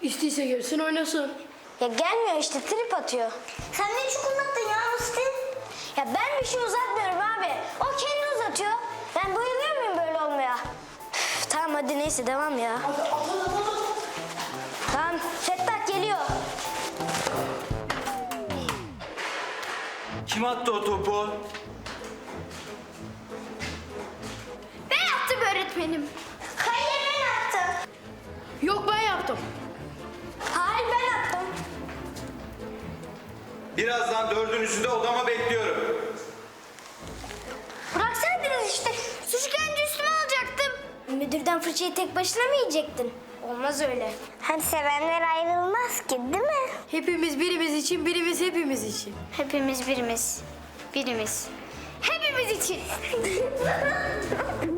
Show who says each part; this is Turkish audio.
Speaker 1: İstiyse gelsin oynasın.
Speaker 2: Ya gelmiyor işte, trip atıyor. Sen ne çok uzattın ya Musti? Ya ben bir şey uzatmıyorum abi. O kendi uzatıyor. Ben bayılıyor muyum böyle olmaya? Üf, tamam hadi neyse devam ya. Tamam Fettah geliyor.
Speaker 3: Kim attı o topu?
Speaker 2: Ben yaptım öğretmenim. Hayır ben yaptım.
Speaker 1: Yok ben yaptım.
Speaker 2: Hayır ben yaptım.
Speaker 3: Birazdan dördünüzü de odama bekliyorum.
Speaker 2: Bıraksaydınız işte. Suç gelince üstüme alacaktım. Müdürden fırçayı tek başına mı yiyecektin? Olmaz öyle. Hem sevenler ayrılmaz ki değil mi?
Speaker 1: Hepimiz birimiz için, birimiz hepimiz için.
Speaker 2: Hepimiz birimiz. Birimiz. Hepimiz için.